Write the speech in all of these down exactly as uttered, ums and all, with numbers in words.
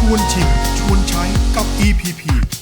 วนชิมชวนใช้กับ อี พี พี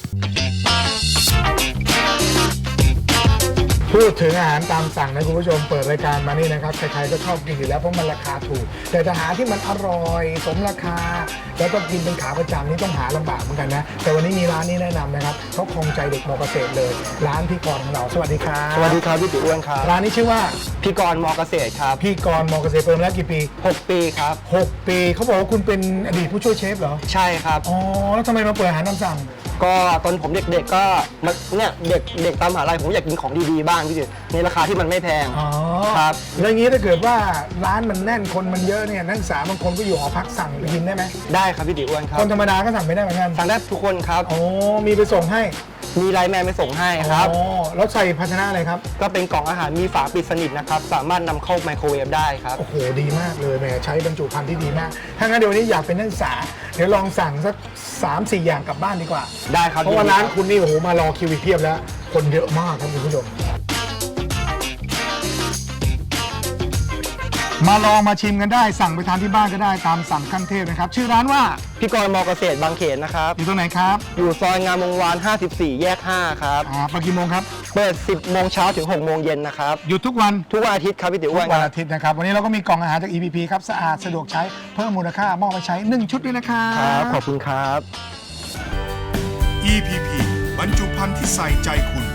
พูดถึงอาหารตามสั่งนะคุณผู้ชมเปิดรายการมานี่นะครับใครๆก็ชอบกินอยู่แล้วเพราะมันราคาถูกแต่จะหาที่มันอร่อยสมราคาแล้วก็กินเป็นขาประจำนี่ต้องหาลำบากเหมือนกันนะแต่วันนี้มีร้านนี้แนะนำนะครับเขาคงใจเด็กมอเกษตรเลยร้านพี่กรณ์ของเราสวัสดีครับสวัสดีครับพี่ติ๋วอ้วนครับร้านนี้ชื่อว่าพี่กรณ์มอเกษตรครับพี่กรณ์มอเกษตรเปิดมาแล้วกี่ปีหกปีครับหกปีเขาบอกว่าคุณเป็นอดีตผู้ช่วยเชฟเหรอใช่ครับอ๋อแล้วทำไมมาเปิดอาหารตามสั่งก็ตอนผมเด็กๆก็มาเนี่ยเด็กเด็กตามมหาลัยผมอยากกินของดีๆบ้างพี่ติ๋วในราคาที่มันไม่แพงอ๋อครับแล้วอย่างนี้ถ้าเกิดว่าร้านมันแน่นคนมันเยอะเนี่ยนักศึกษาบางคนก็อยู่หอพักสั่งไปกินได้ไหมได้ครับพี่ติ๋วอ้วนครัคบนธรรมดาก็สั่งไม่ได้เหมือนกันสั่งได้ทุกคนครับโอ้มีไปส่งให้มีไลน์แมนไปส่งให้ครับอ๋อแล้วใส่ภาชนะอะไรครับก็เป็นกล่องอาหารมีฝาปิดสนิทนะครับสามารถนำเข้าไมโครเวฟได้ครับโอ้โหดีมากเลยแหมใช้บรรจุภัณฑ์ที่ดีมากถ้างั้นเดี๋ยววันนี้อยากเป็นนักศึกษาเดี๋ยวลองสั่งสัก สามสี่ อย่างกลับบ้านดีกว่าได้ครับเพราะว่าร้านคุณนี่โอ้โหมารอคิวอีกเพียบแล้ว คนเยอะมากครับคุณผู้ชมมาลองมาชิมกันได้สั่งไปทานที่บ้านก็ได้ตามสั่งขั้นเทพนะครับชื่อร้านว่าพี่กรณ์มอเกษตรบางเขนนะครับอยู่ตรงไหนครับอยู่ซอยงามวงวาน ห้าสิบสี่ แยก ห้า ครับอ่าเปิดกี่โมงครับเปิด สิบ โมงเช้าถึง หก โมงเย็นนะครับหยุดทุกวันทุกวันอาทิตย์ครับพี่ติ๋วทุอ้วนกควันรับอาทิตย์นะครับวันนี้เราก็มีกล่องอาหารจาก อี พี พี ครับสะอาดสะดวกใช้เพิ่มมูลค่ามอบไปใช้หนึ่งชุดด้วยนะครับครับขอบคุณครับอี พี พี บรรจุภัณฑ์ที่ใส่ใจคุณ